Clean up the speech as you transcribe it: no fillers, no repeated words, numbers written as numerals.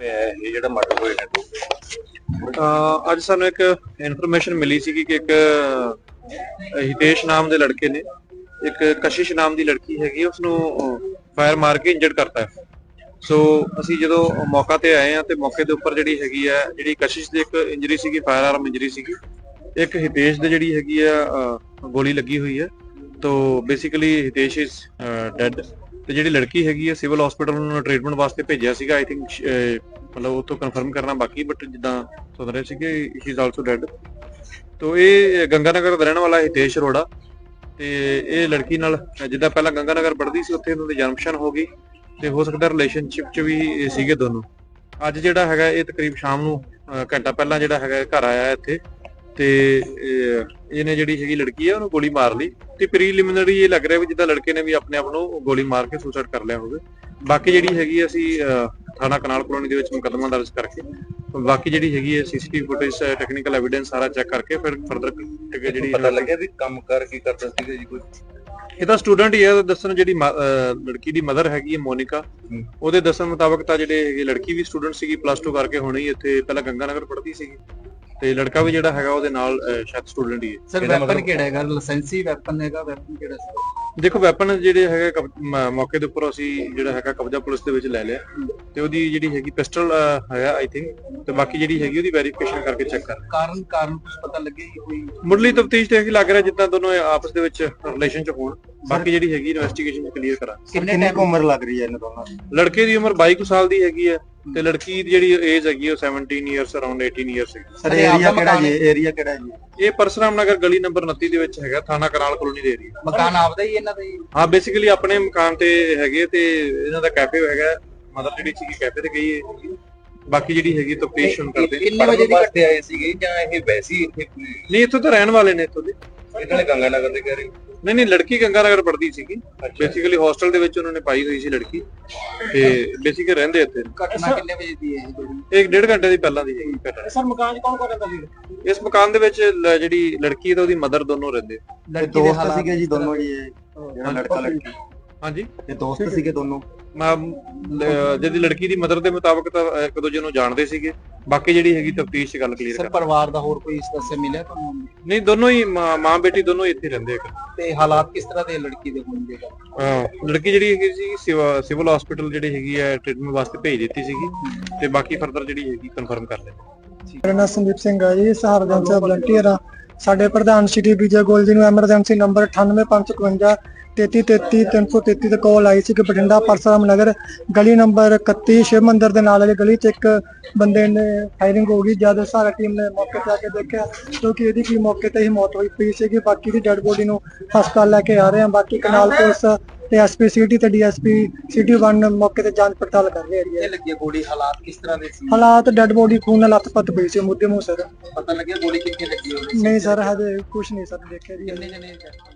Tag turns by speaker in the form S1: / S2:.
S1: ਪਿਆ ਹੈ ਇਹ ਜਿਹੜਾ ਮਰਡਰ ਹੋਏ ਨੇ ਦੋ?
S2: ਅੱਜ ਸਾਨੂੰ ਇੱਕ ਇਨਫੋਰਮੇਸ਼ਨ ਮਿਲੀ ਸੀ ਕਿ ਇੱਕ ਹਿਤੇਸ਼ ਨਾਮ ਦੇ ਲੜਕੇ ਨੇ ਇੱਕ ਕਸ਼ਿਸ਼ ਨਾਮ ਦੀ ਲੜਕੀ ਹੈਗੀ ਉਸ ਨੂੰ ਫਾਇਰ ਮਾਰ ਕੇ ਇੰਜਰਡ ਕਰਤਾ ਹੈ। ਸੋ ਅਸੀਂ ਜਦੋਂ ਮੌਕਾ ਤੇ ਆਏ ਆ ਤੇ ਮੌਕੇ ਦੇ ਉੱਪਰ ਜਿਹੜੀ ਹੈਗੀ ਆ ਜਿਹੜੀ ਕਸ਼ਿਸ਼ ਦੀ ਇੱਕ ਇੰਜਰੀ ਸੀਗੀ, ਫਾਇਰ ਆਰਮ ਇੰਜਰੀ ਸੀਗੀ, ਇੱਕ ਹਿਤੇਸ਼ ਦੇ ਜਿਹੜੀ ਹੈਗੀ ਆ ਗੋਲੀ ਲੱਗੀ ਹੋਈ ਹੈ। ਤੋ ਬੇਸਿਕਲੀ ਹਿਤੇਸ਼ ਇਜ਼ ਡੈਡ ਤੇ ਜਿਹੜੀ ਲੜਕੀ ਹੈਗੀ ਹੈ ਸਿਵਲ ਹਸਪੀਟਲ ਨੂੰ ਟ੍ਰੀਟਮੈਂਟ ਵਾਸਤੇ ਭੇਜਿਆ ਸੀਗਾ। ਆਈ ਥਿੰਕ ਮਤਲਬ ਉਹ ਤੋਂ ਕਨਫਰਮ ਕਰਨਾ ਬਾਕੀ, ਬਟ ਜਿੱਦਾਂ ਸੁਣ ਰਹੇ ਸੀਗੇ ਹੀ ਇਜ਼ ਆਲਸੋ ਡੈਡ। ਤੋ ਇਹ ਗੰਗਾਨਗਰ ਦਾ ਰਹਿਣ ਵਾਲਾ ਹਿਤੇਸ਼ ਅਰੋੜਾ ਤੇ ਇਹ ਲੜਕੀ ਨਾਲ ਜਿੱਦਾਂ ਪਹਿਲਾਂ ਗੰਗਾਨਗਰ ਪੜ੍ਹਦੀ ਸੀ ਉੱਥੇ ਉਹਨਾਂ ਦੀ ਜਨਮਸ਼ਨ ਹੋ ਗਈ ਤੇ ਹੋ ਸਕਦਾ ਰਿਲੇਸ਼ਨਸ਼ਿਪ 'ਚ ਵੀ ਸੀਗੇ ਦੋਨੋਂ। ਅੱਜ ਜਿਹੜਾ ਹੈਗਾ ਇਹ ਤਕਰੀਬ ਸ਼ਾਮ ਨੂੰ ਘੰਟਾ ਪਹਿਲਾਂ ਜਿਹੜਾ ਹੈਗਾ ਘਰ ਆਇਆ ਇੱਥੇ ਤੇ ਇਹਨੇ ਜਿਹੜੀ ਹੈਗੀ ਲੜਕੀ ਹੈ ਉਹਨੂੰ ਗੋਲੀ ਮਾਰ ਲਈ ਤੇ ਪ੍ਰੀਲਿਮਿਨਰੀ ਇਹ ਲੱਗ ਰਿਹਾ ਵੀ ਜਿੱਦਾਂ ਲੜਕੇ ਨੇ ਵੀ ਆਪਣੇ ਆਪ ਨੂੰ ਗੋਲੀ ਮਾਰ ਕੇ ਸੁਸਾਈਡ ਕਰ ਲਿਆ ਹੋਵੇ। ਬਾਕੀ ਜਿਹੜੀ ਹੈਗੀ ਅਸੀਂ ਥਾਣਾ ਕਨਾਲ ਕਲੋਨੀ ਦੇ ਵਿੱਚ ਮੁਕੱਦਮਾ ਦਰਜ ਕਰਕੇ ਬਾਕੀ ਜਿਹੜੀ ਹੈਗੀ ਹੈ ਸੀਸੀਟੀਵੀ ਫੁਟੇਜ ਟੈਕਨੀਕਲ ਐਵੀਡੈਂਸ ਸਾਰਾ ਚੈੱਕ ਕਰਕੇ ਫਿਰ ਫਰਦਰ ਜਿਹੜੀ
S1: ਪਤਾ ਲੱਗਿਆ ਵੀ ਕੰਮ ਕਰ ਕੀ ਕਰਦਾ ਸੀਗਾ ਜੀ ਕੋਈ?
S2: ਇਹ ਤਾਂ ਸਟੂਡੈਂਟ ਹੀ ਹੈ। ਦੱਸਣ ਜਿਹੜੀ ਲੜਕੀ ਦੀ ਮਦਰ ਹੈਗੀ ਹੈ ਮੋਨਿਕਾ, ਉਹਦੇ ਦੱਸਣ ਮੁਤਾਬਕ ਤਾਂ ਜਿਹੜੇ ਹੈਗੇ ਲੜਕੀ ਵੀ ਸਟੂਡੈਂਟ ਸੀਗੀ, +2 ਕਰਕੇ ਹੁਣੇ ਇੱਥੇ ਪਹਿਲਾਂ ਗੰਗਾਨਗਰ ਪੜ੍ਹਦੀ ਸੀਗੀ ਤੇ ਲੜਕਾ ਵੀ ਜਿਹੜਾ ਹੈਗਾ ਉਹਦੇ ਨਾਲ ਸ਼ਾਇਦ ਸਟੂਡੈਂਟ ਹੀ ਹੈ।
S3: ਸਰ ਵੈਪਨ ਕਿਹੜਾ ਹੈਗਾ? ਲਾਇਸੈਂਸੀ ਵੈਪਨ ਹੈਗਾ? ਵੈਪਨ ਕਿਹੜਾ ਸੀ?
S2: ਦੇਖੋ ਵੈਪਨ ਜਿਹੜੇ ਹੈਗੇ ਮੌਕੇ ਦੇ ਉੱਪਰ ਅਸੀਂ ਜਿਹੜਾ ਹੈਗਾ ਕਬਜ਼ਾ ਪੁਲਿਸ ਦੇ ਵਿੱਚ ਲੈ ਲਿਆ ਤੇ ਉਹਦੀ ਜਿਹੜੀ ਹੈਗੀ ਪਿਸਟਲ ਹੈਗਾ ਆਈ ਥਿੰਕ, ਤੇ ਬਾਕੀ ਜਿਹੜੀ ਹੈਗੀ ਉਹਦੀ ਵੈਰੀਫਿਕੇਸ਼ਨ ਕਰਕੇ ਚੈੱਕ ਕਰ
S3: ਕਾਰਨ ਕੁਝ ਪਤਾ ਲੱਗਿਆ ਕੋਈ
S2: ਮੁੱਢਲੀ ਤਫਤੀਸ਼ ਤੇ ਲੱਗ ਰਿਹਾ ਜਿੱਦਾਂ ਦੋਨੋਂ ਆਪਸ ਦੇ ਵਿੱਚ ਰਿਲੇਸ਼ਨ ਚ ਹੋਣ। ਬਾਕੀ ਜਿਹੜੀ ਹੈਗੀ ਇਨਵੈਸਟੀਗੇਸ਼ਨ ਕਲੀਅਰ ਕਰਾਂ।
S3: ਕਿੰਨੇ ਉਮਰ ਲੱਗ ਰਹੀ ਹੈ ਇਹਨਾਂ ਦੋਨਾਂ ਦੀ?
S2: ਲੜਕੇ ਦੀ ਉਮਰ 22 ਸਾਲ ਦੀ ਹੈਗੀ ਹੈ ਤੇ ਲੜਕੀ ਦੀ ਜਿਹੜੀ ਏਜ ਹੈਗੀ ਉਹ 17 ਇਅਰਸ ਅਰਾਊਂਡ 18 ਇਅਰਸ ਹੈ।
S3: ਸਰ ਏਰੀਆ ਕਿਹੜਾ ਜੀ? ਏਰੀਆ ਕਿਹੜਾ ਜੀ?
S2: ਇਹ ਪਰਸਰਾਮ ਨਗਰ ਗਲੀ ਨੰਬਰ 29 ਦੇ ਵਿੱਚ ਹੈਗਾ, ਥਾਣਾ ਕਨਾਲ ਕਲੋਨੀ ਦੇ ਏਰੀਆ।
S3: ਮਕਾਨ ਆਪਦਾ ਹੀ ਇਹਨਾਂ ਦਾ ਹੀ?
S2: ਹਾਂ ਬੇਸਿਕਲੀ ਆਪਣੇ ਮਕਾਨ ਤੇ ਹੈਗੇ ਤੇ ਇਹਨਾਂ ਦਾ ਕੈਫੇ ਹੈਗਾ। ਮਦਰ ਜਿਹੜੀ ਸੀਗੀ ਕੈਫੇ ਤੇ ਗਈ ਹੈ। ਬਾਕੀ ਜਿਹੜੀ ਹੈਗੀ ਤਫਤੀਸ਼ ਹੁਣ ਕਰਦੇ।
S3: ਕਿੰਨੇ ਵਜੇ ਦੀ
S1: ਘਟੇ ਆਏ ਸੀਗੇ ਜਾਂ ਇਹ ਵੈਸੇ ਹੀ ਇੱਥੇ?
S2: ਨਹੀਂ ਇੱਥੋਂ ਤਾਂ ਰਹਿਣ ਵਾਲੇ ਨੇ ਇੱਥੋਂ ਦੇ।
S1: ਇਹਨਾਂ ਨੇ ਗੰਗਾਨਗਰ ਦੇ ਕਹਿ ਰਹੇ?
S2: ਨਹੀਂ ਲੜਕੀ ਗੰਗਾਨਗਰ ਪੜ੍ਹਦੀ ਸੀਗੀ, ਬੇਸਿਕਲੀ ਹੌਸਟਲ ਦੇ ਵਿੱਚ ਉਹਨਾਂ ਨੇ ਪਾਈ ਹੋਈ ਸੀ ਲੜਕੀ ਤੇ ਬੇਸਿਕਲੀ ਰਹਿੰਦੇ ਇੱਥੇ।
S3: ਘਟਨਾ ਕਿੰਨੇ ਵਜੇ ਦੀ ਹੈ
S2: ਇਹ 1.5 ਘੰਟੇ ਦੀ ਪਹਿਲਾਂ ਦੀ ਹੈਗੀ ਘਟਨਾ।
S3: ਸਰ ਮਕਾਨ 'ਚ ਕੌਣ ਰਹਿੰਦਾ ਸੀ?
S2: ਇਸ ਮਕਾਨ ਦੇ ਵਿੱਚ ਜਿਹੜੀ ਲੜਕੀ ਹੈ ਤੇ ਉਹਦੀ ਮਦਰ ਦੋਨੋਂ ਰਹਿੰਦੇ।
S3: ਦੋਸਤ ਸੀਗੇ ਜੀ ਦੋਨੋਂ ਜੀ? ਜਿਹੜਾ ਲੜਕਾ ਲੜਕੀ?
S2: ਹਾਂਜੀ
S3: ਇਹ ਦੋਸਤ ਸੀਗੇ ਦੋਨੋਂ?
S2: ਜਿਹਦੀ ਲੜਕੀ ਦੀ ਮਦਰ ਦੇ ਮੁਤਾਬਕ ਤਾਂ ਇੱਕ ਦੂਜੇ ਨੂੰ ਜਾਣਦੇ ਸੀਗੇ। ਬਾਕੀ ਜਿਹੜੀ ਹੈਗੀ ਤਫਤੀਸ਼ 'ਚ ਗੱਲ ਕਲੀਅਰ ਕਰ।
S3: ਸਰ ਪਰਿਵਾਰ ਦਾ ਹੋਰ ਕੋਈ ਇਸ ਤਰ੍ਹਾਂ ਮਿਲਿਆ ਤੁਹਾਨੂੰ?
S2: ਨਹੀਂ ਦੋਨੋਂ ਹੀ ਮਾਂ ਬੇਟੀ ਦੋਨੋਂ ਹੀ ਇੱਥੇ ਰਹਿੰਦੇ ਆ।
S3: ਤੇ ਹਾਲਾਤ ਕਿਸ ਤਰ੍ਹਾਂ ਦੇ ਲੜਕੀ ਦੇ ਹੋਣਗੇ?
S2: ਲੜਕੀ ਜਿਹੜੀ ਹੈਗੀ ਸੀ ਸਿਵਲ ਹਸਪੀਟਲ ਜਿਹੜੀ ਹੈਗੀ ਹੈ ਟ੍ਰੀਟਮੈਂਟ ਵਾਸਤੇ ਭੇਜ ਦਿੱਤੀ ਸੀਗੀ ਤੇ ਬਾਕੀ ਫਰਦਰ ਜਿਹੜੀ ਹੈਗੀ ਕਨਫਰਮ ਕਰ ਲੈਂਦੇ।
S4: ਮੇਰਾ ਨਾਮ ਸੰਦੀਪ ਸਿੰਘ ਹੈ ਜੀ, ਸਹਾਰਗੰਜ ਦਾ ਵਲੰਟੀਅਰ ਆ। ਸਾਡੇ ਪ੍ਰਧਾਨ ਸ਼੍ਰੀ ਵਿਜੇ ਗੋਲ ਜੀ ਨੂੰ ਐਮਰਜੈਂਸੀ ਨੰਬਰ 9855 33 333 ਤੇ ਕਾਲ ਆਈ ਸੀ ਕਿ ਬਠਿੰਡਾ ਪਰਸਰਾਮ ਨਗਰ ਗਲੀ ਨੰਬਰ 31 ਸ਼ਿਵ ਮੰਦਿਰ ਦੇ ਨਾਲ ਵਾਲੀ ਗਲੀ 'ਚ ਇੱਕ ਬੰਦੇ ਨੇ ਫਾਇਰਿੰਗ ਹੋ ਗਈ। ਜਦ ਸਾਰਾ ਟੀਮ ਨੇ ਮੌਕੇ ਤੇ ਆ ਕੇ ਦੇਖਿਆ ਕਿਉਂਕਿ ਇਹਦੀ ਕੀ ਮੌਕੇ ਤੇ ਹੀ ਮੌਤ ਹੋਈ ਪਈ ਸੀਗੀ। ਬਾਕੀ ਦੀ ਡੈਡ ਬੋਡੀ ਨੂੰ ਹਸਪਤਾਲ ਲੈ ਕੇ ਆ ਰਹੇ ਹਾਂ। ਬਾਕੀ ਕਨਾਲ ਪੁਲਿਸ ਤੇ ਐਸਪੀ ਸਿਟੀ ਤੇ ਡੀਐਸਪੀ ਸਿਟੀ 1 ਮੌਕੇ ਤੇ ਜਾਂਚ ਪੜਤਾਲ ਕਰ ਰਹੇ ਹੈ।
S3: ਲੱਗੀ ਗੋਲੀ ਹਾਲਾਤ ਕਿਸ ਤਰ੍ਹਾਂ ਦੇ ਸੀ?
S4: ਹਾਲਾਤ ਡੈਡ ਬੋਡੀ ਖੂਨ ਨਾਲ ਲੱਥਪੱਥ ਪਈ ਸੀ ਮੁੱਦੇ ਮੂੰਹ ਸਰ।
S3: ਪਤਾ ਲੱਗਿਆ ਗੋਲੀ ਕਿੱਥੇ ਲੱਗੀ ਹੋਵੇ?
S4: ਨਹੀਂ ਸਰ ਹਜੇ ਕੁਝ ਨਹੀਂ ਸਰ ਦੇਖਿਆ ਜੀ।
S3: ਕਿੰਨੇ ਜਣੇ